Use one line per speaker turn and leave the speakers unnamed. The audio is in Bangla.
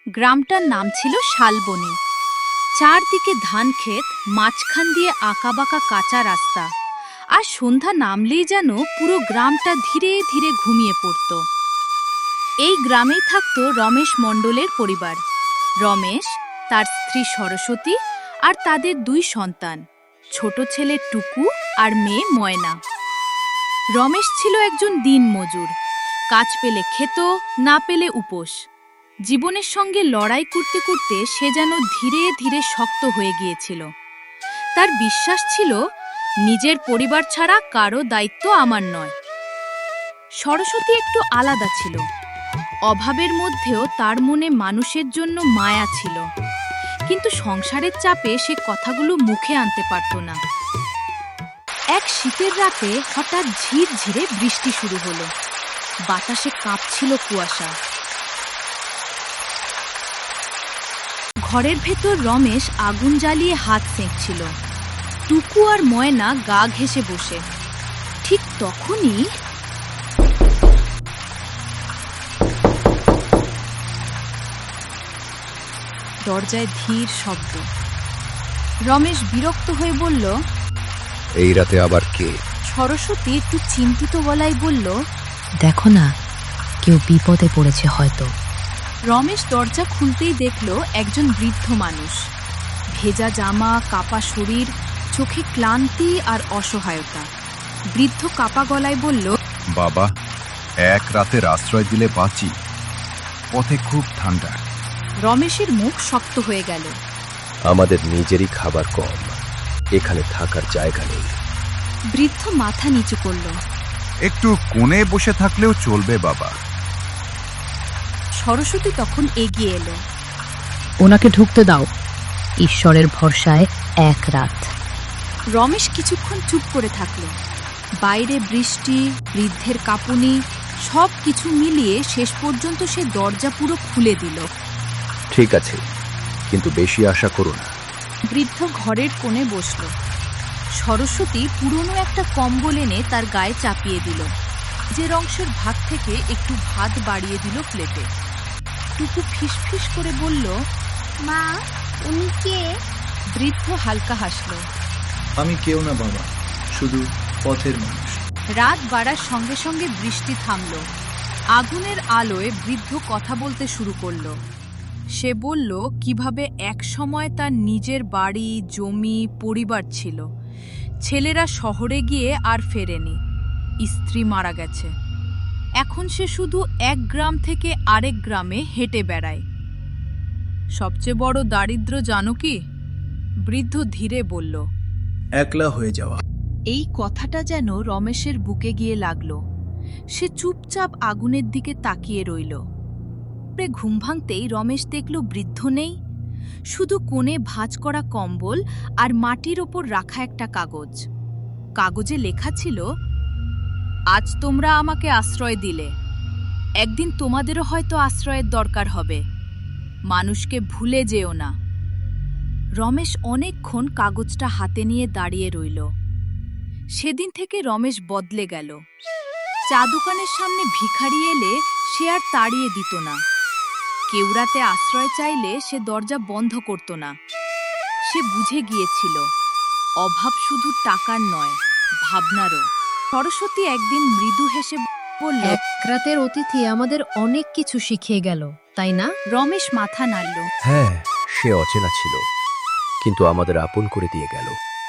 গ্রামটার নাম ছিল শালবনী। চারদিকে ধান ক্ষেত, মাঝখান দিয়ে আঁকাবাঁকা কাঁচা রাস্তা, আর সন্ধ্যা নামলেই যেন পুরো গ্রামটা ধীরে ধীরে ঘুমিয়ে পড়ত। এই গ্রামেই থাকত রমেশ মণ্ডলের পরিবার। রমেশ, তার স্ত্রী সরস্বতী আর তাদের দুই সন্তান, ছোট ছেলে টুকু আর মেয়ে ময়না। রমেশ ছিল একজন দিনমজুর। কাজ পেলে খেত, না পেলে উপোস। জীবনের সঙ্গে লড়াই করতে করতে সে যেন ধীরে ধীরে শক্ত হয়ে গিয়েছিল। তার বিশ্বাস ছিল, নিজের পরিবার ছাড়া কারো দায়িত্ব আমার নয়। সরস্বতী একটু আলাদা ছিল। অভাবের মধ্যেও তার মনে মানুষের জন্য মায়া ছিল, কিন্তু সংসারের চাপে সে কথাগুলো মুখে আনতে পারত না। এক শীতের রাতে হঠাৎ ঝিরঝিরে বৃষ্টি শুরু হলো। বাতাসে কাঁপছিল কুয়াশা। ঘরের ভেতর রমেশ আগুন জ্বালিয়ে হাত সেঁকছিল। টুকু আর ময়না গা ঘেঁষে বসে। ঠিক তখনই দরজায় ধীর শব্দ। রমেশ বিরক্ত হয়ে বলল,
এই রাতে আবার কে?
সরস্বতী একটু চিন্তিত গলায় বলল,
দেখো না, কেউ বিপদে পড়েছে হয়তো।
রমেশ দরজা খুলতেই দেখল একজন বৃদ্ধ মানুষ। ভেজা জামা, কাপা শরীর, চোখে ক্লান্তি আর অসহায়তা। বৃদ্ধ কাপা গলায় বলল,
বাবা, এক রাতের আশ্রয় দিলে বাঁচি। পথে খুব ঠান্ডা।
রমেশের মুখ শক্ত হয়ে গেল।
আমাদের নিজেরই খাবার কম, এখানে থাকার জায়গা নেই।
বৃদ্ধ মাথা নিচু করল।
একটু কোণে বসে থাকলেও চলবে বাবা।
সরস্বতী তখন এগিয়ে এলো।
ওনাকে ঢুকতে দাও, ঈশ্বরের ভরসায় এক রাত।
রমেশ কিছুক্ষণ চুপ করে থাকল। বাইরে বৃষ্টি, বৃদ্ধের কাঁপুনি, সব কিছু মিলিয়ে শেষ পর্যন্ত সে দরজা পুরো খুলে দিল।
ঠিক আছে, কিন্তু বেশি আশা করো না।
বৃদ্ধ ঘরের কোণে বসল। সরস্বতী পুরনো একটা কম্বল এনে তার গায়ে চাপিয়ে দিল। যে অংশের ভাত থেকে একটু ভাত বাড়িয়ে দিল প্লেটে। টুকু ফিসফিস করে বলল,
মা, উনি কে?
বৃদ্ধ হালকা হাসল।
আমি কেউ না বাবা, শুধু পথের মানুষ।
রাত বাড়ার সঙ্গে সঙ্গে বৃষ্টি থামল। আগুনের আলোয় বৃদ্ধ কথা বলতে শুরু করল। সে বলল কিভাবে এক সময় তার নিজের বাড়ি, জমি, পরিবার ছিল। ছেলেরা শহরে গিয়ে আর ফেরেনি। স্ত্রী মারা গেছে। এখন সে শুধু এক গ্রাম থেকে আরেক গ্রামে হেঁটে বেড়ায়। সবচেয়ে বড় দারিদ্র্য জানো কি? বৃদ্ধ ধীরে বলল।
একলা হয়ে যাওয়া।
এই কথাটা যেন রমেশের বুকে গিয়ে লাগল। সে চুপচাপ আগুনের দিকে তাকিয়ে রইল। ঘুম ভাঙতেই রমেশ দেখল বৃদ্ধ নেই। শুধু কোণে ভাঁজ করা কম্বল আর মাটির ওপর রাখা একটা কাগজ। কাগজে লেখা ছিল, আজ তোমরা আমাকে আশ্রয় দিলে, একদিন তোমাদেরও হয়তো আশ্রয়ের দরকার হবে। মানুষকে ভুলে যেও না। রমেশ অনেকক্ষণ কাগজটা হাতে নিয়ে দাঁড়িয়ে রইল। সেদিন থেকে রমেশ বদলে গেল। চা দোকানের সামনে ভিখারি এলে সে আর তাড়িয়ে দিত না। কেউ রাতে আশ্রয় চাইলে সে দরজা বন্ধ করত না। সে বুঝে গিয়েছিল, অভাব শুধু টাকার নয়, ভাবনারও। সরস্বতী একদিন মৃদু হেসে বলল,
এক রাতের অতিথি আমাদের অনেক কিছু শিখিয়ে গেল, তাই না?
রমেশ মাথা নাড়ল।
হ্যাঁ, সে অচেনা ছিল, কিন্তু আমাদের আপন করে দিয়ে গেল।